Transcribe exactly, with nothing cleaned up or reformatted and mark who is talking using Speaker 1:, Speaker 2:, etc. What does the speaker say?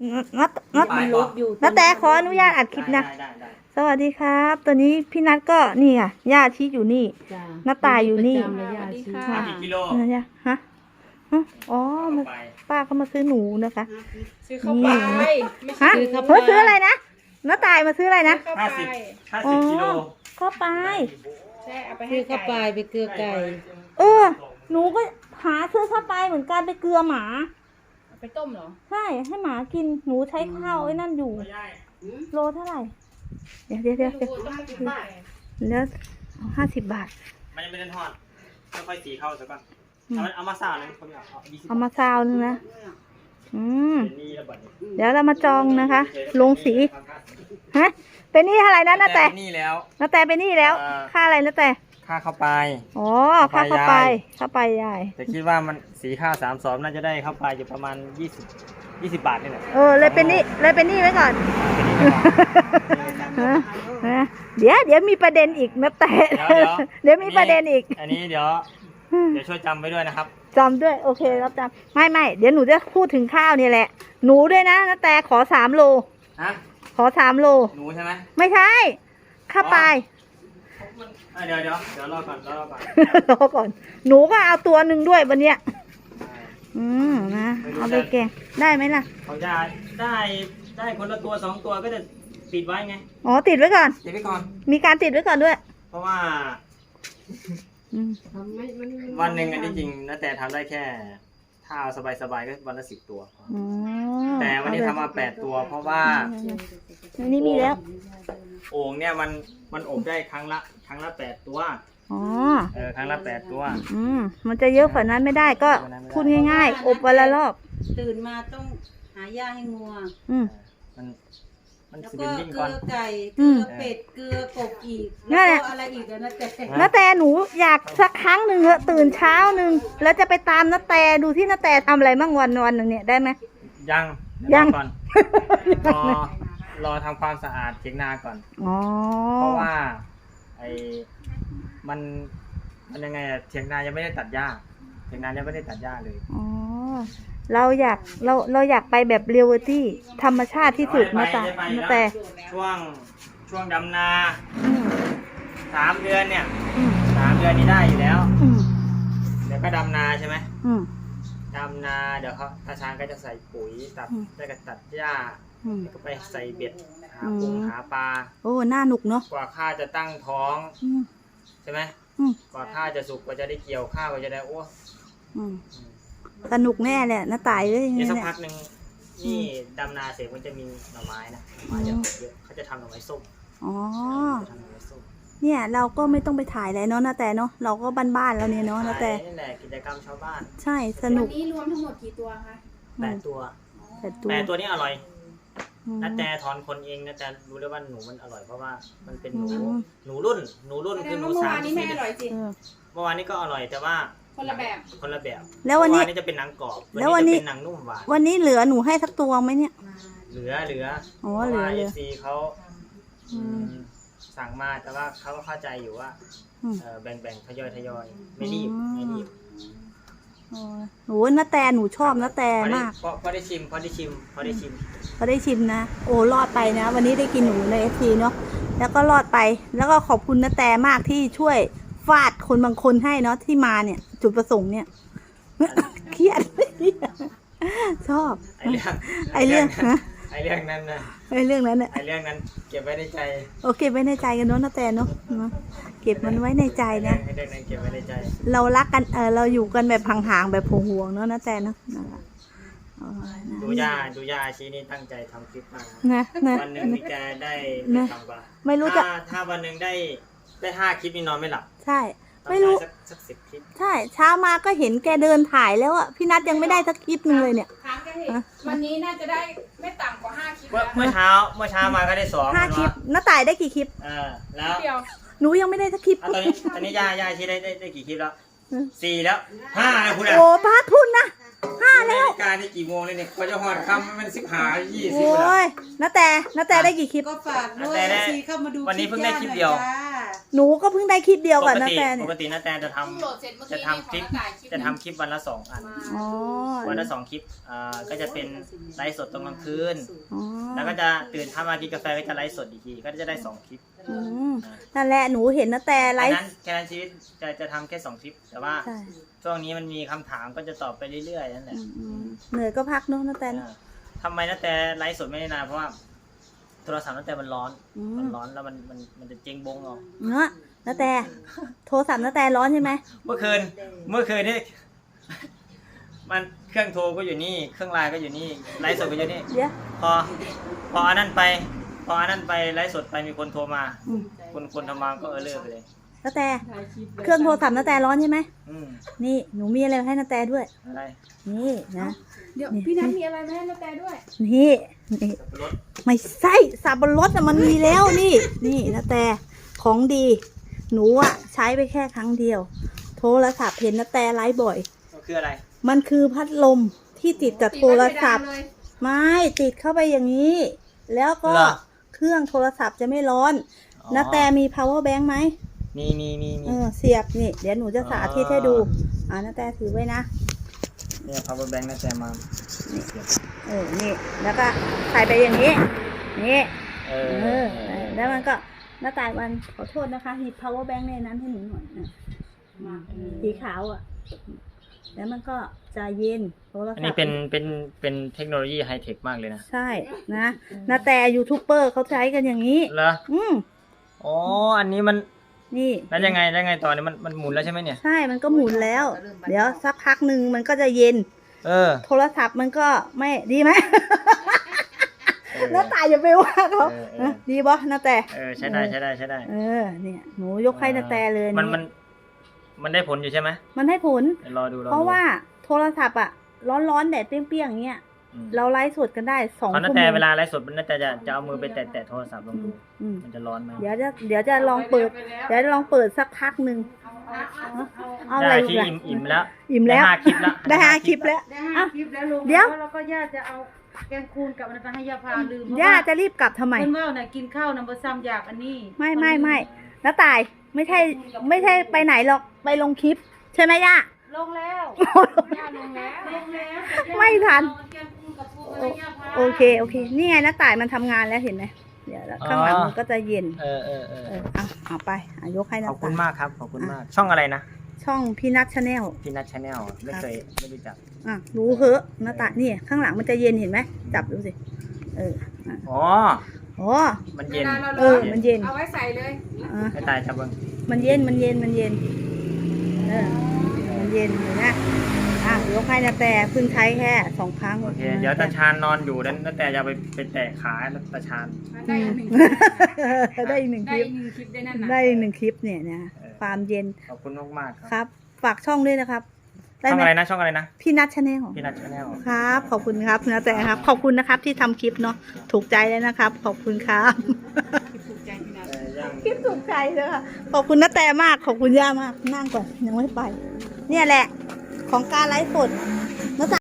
Speaker 1: นัดนัดนัดแต่ขออนุญาตอัดคลิปนะสวัสดีครับตอนนี้พี่นัทก็นี่ค่ะย่าชี้อยู่นี่น้าตายอยู่นี่
Speaker 2: สวัสดีค่ะกี่กิโล
Speaker 1: นะฮะอ๋อป้าเขามาซื้อหนูนะคะ
Speaker 2: ซื้อเข้าไป
Speaker 1: ฮะเฮ้ยซื้ออะไรนะน้าตายมาซื้ออะไรนะ
Speaker 2: ห้าสิบ
Speaker 3: ห้าสิบกิโล
Speaker 1: เข้าไป
Speaker 2: ใช่เอาไปให้เข้าไปไปเกลือไก่
Speaker 1: เออหนูก็หาซื้อเข้าไปเหมือนกันไปเกลือหมา
Speaker 2: ไปต้มเหรอ
Speaker 1: ใช่ให้หมากินหนูใช้ข้าวไอ้นั่นอยู่โลเท่าไหร่เดี๋ยวเดี๋ยวเดี๋ยวเดี๋ยวแล้วห้าสิบบาท
Speaker 3: มันยังไม่ได้ทอดค่อยๆสีเข้าสักก่อนเอามาซาวเลยคนเดียว
Speaker 1: เอามาซาวนึงนะอืมเดี๋ยวเรามาจองนะคะลงสีฮะเป็นนี่อะไรนะน้าแต่
Speaker 3: นี่แล้ว
Speaker 1: น้าแต่เป็นนี่แล้วค่าอะไรน้าแต่
Speaker 3: ค่าเข้าไป
Speaker 1: อ๋อค่าเข้าไปเข้าไปยาย
Speaker 3: แต่คิดว่ามันสีข้าวสามสองน่าจะได้เข้าไปอยู่ประมาณยี่สิบยี่สิบบาทนี่แหละ
Speaker 1: เออเลยเป็นนี่เลยเป็นนี่ไว้ก่อนเดี๋ยวเดี๋ยวมีประเด็นอีกนะแต่เดี๋ยวมีประเด็นอีก
Speaker 3: อันนี้เดี๋ยวเดี๋ยวช่วยจำไว้ด้วยนะครับ
Speaker 1: จำด้วยโอเครับจำไม่ไม่เดี๋ยวหนูจะพูดถึงข้าวนี่แหละหนูด้วยนะนะแต่ขอสามโล
Speaker 3: ฮะ
Speaker 1: ขอสามโล
Speaker 3: หนูใช่ไหม
Speaker 1: ไม่ใช่ข้าไป
Speaker 3: เดี๋ยวเดี๋ยวเดี๋ยวรอก่อนรอก่อน
Speaker 1: รอก่อนหนูก็เอาตัวหนึ่งด้วยวันเนี้ยอืมนะเอาไปแกงได้ไหมล่ะ
Speaker 3: เขาจะได้ได้คนละตัวสองตัวก็จะติดไว้ไง
Speaker 1: อ๋อติดไว้ก่อน
Speaker 3: ติดไว้ก่อน
Speaker 1: มีการติดไว้ก่อนด้วย
Speaker 3: เพราะว่าวันหนึ่งอันนี้จริงนะแต่ทำได้แค่ถ้าเอาสบายๆก็วันละสิบตัวแต่วันนี้ทำมาแปดตัวเพราะว่า
Speaker 1: อันนี้มีแล้ว
Speaker 3: โอ่งเนี่ยมันมันอบได้ครั้งละครั้งละแปดตัว
Speaker 1: อ๋อ
Speaker 3: เออครั้งละแปดตัว
Speaker 1: อืมมันจะเยอะกว่านั้นไม่ได้ก็พูดง่ายๆอบวันละรอบ
Speaker 2: ตื่นมาต้องหาหญ้าให้งัว
Speaker 1: อืม
Speaker 3: มันมัน
Speaker 2: แล้ว
Speaker 3: ก็
Speaker 2: เกลือไก่เกลือเป็ดเกลือกบอีกแล้วก็อะไรอีกนะแต่
Speaker 1: น้าแต่หนูอยากสักครั้งหนึ่งเหอะตื่นเช้าหนึ่งแล้วจะไปตามน้าแต่ดูที่น้าแต่ทำอะไรบ้างวันวันหนึ่งเนี่ยได้ไหม
Speaker 3: ยัง
Speaker 1: ยัง
Speaker 3: ก่อนรอรอทำความสะอาดเถียงนาก่อน
Speaker 1: อ๋อ
Speaker 3: เพราะว่าไอ้มันมันยังไงอะเถียงนายังไม่ได้ตัดหญ้าเถียงนายังไม่ได้ตัดหญ้าเลย
Speaker 1: อ๋อเราอยากเราเราอยากไปแบบเรียลลิตี้ธรรมชาติที่สุดนะแต่นะแต่
Speaker 3: ช่วงช่วงดำนาสามเดือนเนี่ยสามเดือนนี้ได้อยู่แล้วเดี๋ยวก็ดำนาใช่ไหมดำนาเดี๋ยวเขาตาช้างก็จะใส่ปุ๋ยตัดได้ก็ตัดหญ้าแล้วก็ไปใส่เบ็ดหาปูหาปลา
Speaker 1: โอ้น่าหนุกเนาะ
Speaker 3: กว่าข้าจะตั้งท้องใช่ไหมกว่าข้าจะสุกกว่าจะได้เกี่ยวข้าวกว่าจะได้โอ้
Speaker 1: สนุกแน่แหละน้าตายเลย
Speaker 3: นี่สักพักหนึ่งนี่ดำนาเสร็จมันจะมีหน่อไม้นะหน่อไม้เยอะเขาจะทำหน่อไม้ส้ม
Speaker 1: อ๋อเนี่ยเราก็ไม่ต้องไปถ่ายอะไรเนาะนะแต่เนาะเราก็บ้านๆแล้วเนี่ยเนาะนะแต่
Speaker 3: นี่แหละกิจกรรมชาวบ้าน
Speaker 1: ใช่สนุก
Speaker 2: วันนี้รวมทั้งหมดกี่ตัวคะ
Speaker 3: แปดตัวแปดตัวแปดตัวนี้อร่อยนะแต่ถอนคนเองนะแต่รู้ได้ว่าหนูมันอร่อยเพราะว่ามันเป็นหนูหนูรุ่นหนูรุ่นคือหนูสาม
Speaker 2: นี้ไม่อร่อยจริง
Speaker 3: เมื่อวานนี้ก็อร่อยแต่ว่า
Speaker 2: คนละแบบ
Speaker 3: คนละแบบ
Speaker 1: แล้ววันนี้
Speaker 3: จะเป็นหนังกรอบ
Speaker 1: แล้ววันนี้
Speaker 3: เป็นหนังนุ่มหวาน
Speaker 1: วันนี้เหลือหนูให้สักตัวไหมเนี่ย
Speaker 3: เหลือเหลือ
Speaker 1: อ๋อเหลือเหลือ
Speaker 3: ซีเขาสั่งมาแต่ว่าเขาก็เข้าใจอยู่ว่าแบ่งแบ่งทยอยทยอยไม่รีบไม่รีบ
Speaker 1: โอ้น้าแต่หนูชอบน้าแต่มาก
Speaker 3: พอได้ชิมพอได้ชิมพอได้ชิม
Speaker 1: พอได้ชิมนะโอ้รอดไปนะวันนี้ได้กินหนูในเอฟซีเนาะแล้วก็รอดไปแล้วก็ขอบคุณน้าแต่มากที่ช่วยฟาดคนบางคนให้เนาะที่มาเนี่ยจุดประสงค์เนี่ยเครียดชอบไอเรื่องไอเรื่องนะ
Speaker 3: ไอเรื่องนั้นนะ
Speaker 1: ไอเรื่องนั้นเนี่ย
Speaker 3: ไอเรื่องนั้นเก็บไว้ในใจ
Speaker 1: โอเคไว้ในใจกันเนาะนะแต่เนาะเก็บมันไว้ในใจนะ
Speaker 3: ไอเรื่องนั้นเก็บไว้ในใจ
Speaker 1: เรารักกันเออเราอยู่กันแบบห่างๆแบบห่วงๆเนาะนะแต่เนาะ
Speaker 3: ดูย่าดูย่าชีนี่ตั้งใจทำคลิปมาก
Speaker 1: นะ
Speaker 3: วันหนึ่งมีแกได้ไม่ต่ำกว่า
Speaker 1: ไม่รู้จะ
Speaker 3: ถ้าวันหนึ่งได้ได้ห้าคลิปนี่นอนไม่หลับ
Speaker 1: ใช่ไม่รู้
Speaker 3: สักสิบคลิป
Speaker 1: ใช่เช้ามาก็เห็นแกเดินถ่ายแล้วอ่ะพี่นัทยังไม่ได้สักคลิปนึงเลยเนี่ย
Speaker 2: วันนี้น่าจะได้ไม่ต่ำกว่าห้าคลิป
Speaker 3: เมื่อเช้าเมื่อเช้ามาก็ได้สอง
Speaker 1: ห้าคลิปน้าต่ายได้กี่คลิป
Speaker 3: เออแล้ว
Speaker 1: หนูยังไม่ได้สักคลิป
Speaker 3: ตอนนี้ตอนนี้ย่าย่าชีได้ได้กี่คลิปแล้วสี่แล้วห้าแล้วคุณ
Speaker 1: โอ้พาทุนนะห้าแล้ว
Speaker 3: การนี่กี่โมงเลยเนี่ยเขาจะหอดคำมันสิบห้ายี่สิบ
Speaker 1: โอ้ยน้าแต่น้าแต่ได้กี่คลิป
Speaker 2: ก็ฝากด้วยซีเข้ามาดู
Speaker 3: วันนี้เพิ่งได้คลิปเดียว
Speaker 1: หนูก็เพิ่งได้คลิปเดียว
Speaker 3: ป
Speaker 1: กับ
Speaker 3: ก
Speaker 1: นา
Speaker 3: ติ
Speaker 1: แต
Speaker 3: ป
Speaker 1: เนี่ย
Speaker 3: กตินาแตจะทำ
Speaker 2: เพิ่งโหลดเสร็จเมื่อ
Speaker 3: จะ
Speaker 2: กี้
Speaker 3: ทำคลิป
Speaker 2: เนี่ยของ
Speaker 3: จะทำคลิปวันละสองอัน
Speaker 1: อ๋อ
Speaker 3: วันละสองคลิปอ่าก็จะเป็นไลฟ์สดตอนกลางคืน
Speaker 1: อ๋อ
Speaker 3: แล้วก็จะตื่นทำมากินกาแฟก็จะไลฟ์สดอีกทีก็จะได้สองคลิป
Speaker 1: อืมนั่นแหละหนูเห็นนาแตไล
Speaker 3: แค่
Speaker 1: ฟ์
Speaker 3: นั้นแค่นั้นชีวิตจะจะทำแค่สองคลิป แต่ว่า
Speaker 1: ใช่
Speaker 3: ช่วงนี้มันมีคำถามก็จะตอบไปเรื่อยๆนั่นแหละ
Speaker 1: อืมอืมเหนื่อยก็พักเนาะนาแตเนอะ
Speaker 3: อ่าทำไมนาแตไลฟ์สดไม่ได้นานเพราะว่าโทรศัพท์นาแตมันร้อน
Speaker 1: อืม
Speaker 3: มันร้อนแล้วมันมันมันจะเจ๊งบงเอา
Speaker 1: เนาะนาแตโทรศัพท์นาแตร้อนใช่ไหม
Speaker 3: เมื่อคืนเมื่อคืนนี่ มันเครื่องโทรก็อยู่นี่เครื่องไลน์ก็อยู่นี่ไลฟ์สดก็อยู่นี่
Speaker 1: เดี๋ยว
Speaker 3: พอพออันนั้นไป พออันนั้นไปไลฟ์สดไปมีคนโทรมา
Speaker 1: อืม
Speaker 3: คนคนทำมาก็เออเลิกไปเลย
Speaker 1: นาแตเครื่องโทรศัพท์นาแตร้อนใช่ไหม
Speaker 3: อืม
Speaker 1: นี่หนูมีอะไรมาให้นาแตด้วย
Speaker 3: อะไร
Speaker 1: นี่นะ
Speaker 2: เดี๋ยวพี่นัทมีอะไรมาให้นาแตด้วย
Speaker 1: นี่นี่
Speaker 3: รถ
Speaker 1: ไม่ใช่สับปะรดอะมันมีแล้วนี่ นี่นาแตของดี หนูอะใช้ไปแค่ครั้งเดียว โทรศัพท์เห็นนาแตไลฟ์บ่อย
Speaker 3: ก็คืออะไร
Speaker 1: มันคือพัดลมที่ติดกับโทรศัพท์
Speaker 2: ติดไว้เพดานเลย
Speaker 1: ไม่ติดเข้าไปอย่างนี้ แล้วก็
Speaker 3: เหรอ
Speaker 1: เครื่องโทรศัพท์จะไม่ร้อน
Speaker 3: อ๋อ
Speaker 1: นาแตมี power bank ไหม
Speaker 3: มีมีมีมี
Speaker 1: เออเสียบนี่ เดี๋ยวหนูจะสาธิตให้ดู
Speaker 3: อ๋อ
Speaker 1: อ่านาแตถือไว้นะ
Speaker 3: เนี่ย power bank นาแตมา
Speaker 1: เออ นี่ แล้วก็ใส่ไปอย่างนี้ นี่
Speaker 3: เอ
Speaker 1: เอ
Speaker 3: อ
Speaker 1: อเออ แล้วมันก็หน้าตายวันขอโทษนะคะหยิบ power bank ในนั้นให้หนูหน่อยนะสีขาวอ่ะ แล้วมันก็จะเย็นโทรศัพท์
Speaker 3: อันนี้เป็นเป็นเป็นเทคโนโลยีไฮเทคมากเลยนะ
Speaker 1: ใช่นะนาแต่ยูทูบเบอร์เขาใช้กันอย่างนี้
Speaker 3: เหรอ
Speaker 1: อืม
Speaker 3: อ๋ออันนี้มัน
Speaker 1: นี่
Speaker 3: แล้วยังไงแล้วยังไงตอนนี้มันมันหมุนแล้วใช่ไหมเนี่ย
Speaker 1: ใช่มันก็หมุนแล้ว เดี๋ยวสักพักหนึ่งมันก็จะเย็น
Speaker 3: เออ
Speaker 1: โทรศัพท์มันก็ไม่ดีไหม
Speaker 3: เออ
Speaker 1: น้าตายอย่าไปว่าเขา
Speaker 3: เออเออ
Speaker 1: นะดีบ่นาแต่
Speaker 3: เออใช้ได้ใช้ได้ใช้ได้
Speaker 1: เออ เนี่ย หนูยกให้นาแต่เลย
Speaker 3: มันมันมันได้ผลอยู่ใช่ไหม
Speaker 1: มันให้ผล
Speaker 3: เดี๋ยวรอดูรอดู
Speaker 1: เพราะว่าโทรศัพท์อะร้อนๆแดดเปรี้ยงๆอย่างเงี้ย
Speaker 3: อืม
Speaker 1: เราไลฟ์สดกันได้สอง
Speaker 3: เพราะ
Speaker 1: ชั่
Speaker 3: นั่
Speaker 1: วน โม
Speaker 3: แต่
Speaker 1: ง
Speaker 3: เวลาไลฟ์สดมันน่าจะจะจะเอามือไปแตะแตะโทรศัพท์ลอง
Speaker 1: อื
Speaker 3: ดู
Speaker 1: มอืม
Speaker 3: มันจะร้อนไหม
Speaker 1: เดี๋ยวจะเดี๋ยวจะลองเปิด เดี๋ยวจะลองเปิดสักพักหนึ่งเอาอะไร
Speaker 3: ได้
Speaker 1: อี
Speaker 3: ที่
Speaker 1: กล่ะ
Speaker 3: อิ่มอิ่มแล้ว
Speaker 1: อิ่มแล้ว
Speaker 3: ได้ห้าคลิปแล้ว
Speaker 1: ได้ห้าคลิปแล้ว
Speaker 2: ได้ห้าคลิปแล้วลุง
Speaker 1: เดี๋ยว
Speaker 2: แล้เราก็ย่าจะเอาแกงคูนกับอันนั้นไปให้ย่าพาลืม
Speaker 1: ย่าจะรีบกลับทำไม
Speaker 2: เพิ่นว่าน่ะกินข้าวน้ำบะซ้ำอยากอันนี้
Speaker 1: ไม่ไม่ไม่น้าตายไม่ใช่ไม่ใช่ไปไหนหรอกไปลงคลิป ใช่ไหมย่า
Speaker 2: ลงแล้วย่าลงแล้วลงแล้ว
Speaker 1: ไม่ทัน
Speaker 2: เอาแกงคูนกับปูไปให้ย่าพา
Speaker 1: โอเคโอเค นี่ไงน้าตายมันทำงานแล้วเห็นไหมเดี๋ยวแล้วข้างหลังมันก็จะเย็น
Speaker 3: เออเออเออ
Speaker 1: เออเอาเอาไปเอายกให้
Speaker 3: ข
Speaker 1: น้า
Speaker 3: อบคุ
Speaker 1: ตา
Speaker 3: ณ
Speaker 1: ย
Speaker 3: มากครับขอบคุณมาก ช่องอะไรนะ
Speaker 1: ช่องพี่นัทชาแนล
Speaker 3: พี่นัทชาแนลไม่เคยไม่รู้จัก
Speaker 1: อ่ะรู้เหอะน้าตายนี่ข้างหลังมันจะเย็นเห็นไหมจับดูสิเอออ่ะ
Speaker 3: อ๋อ
Speaker 1: อ๋อ
Speaker 3: มัน
Speaker 2: เว
Speaker 3: เย็น
Speaker 2: ลาเรา
Speaker 1: เออมันเย็น
Speaker 2: เอาไว้ใส่เลย
Speaker 1: อ่ะ
Speaker 3: ให้ตายจับเบิ้ง
Speaker 1: มันเย็นมันเย็นมันเย็นเออมันเย็นเห็นไหมอ่ะยกให้นาแต่เพิ่งใช้แค่สองครั้ง
Speaker 3: โอเค เดี๋ยวตาชานนอนอยู่นั้นแล้วแต่จะไปไปแตะขาแล้วตาชาน
Speaker 2: ได้อีกหนึ่ง
Speaker 1: ได้อีกหนึ่งค
Speaker 2: ได้
Speaker 1: ลิป
Speaker 2: อีกหนึ่งคลิปได้นั่นน่ะ
Speaker 1: ได้อีกหนึ่งคลิปเนี่ยนะความเย็น
Speaker 3: ขอบคุณมากๆครับ
Speaker 1: ครับ ฝากช่องด้วยนะครับ ได้
Speaker 3: ช่อง
Speaker 1: ไหม
Speaker 3: อะไรนะช่องอะไรนะ
Speaker 1: พี่นัทชาแนล
Speaker 3: พี่นัทชาแนล
Speaker 1: ครับ ขอบคุณครับนาแต่ครับ ขอบคุณนะครับที่ทำคลิปเนาะถูกใจแล้วนะครับ ขอบคุณครับ
Speaker 2: ถูกใจพี่นัท
Speaker 3: เออย่าง
Speaker 1: คลิปถูกใจเลยค่ะขอบคุณนาแต่มากขอบคุณย่ามากนั่งก่อนยังไม่ไป เนี่ยแหละ ของการไลฟ์สด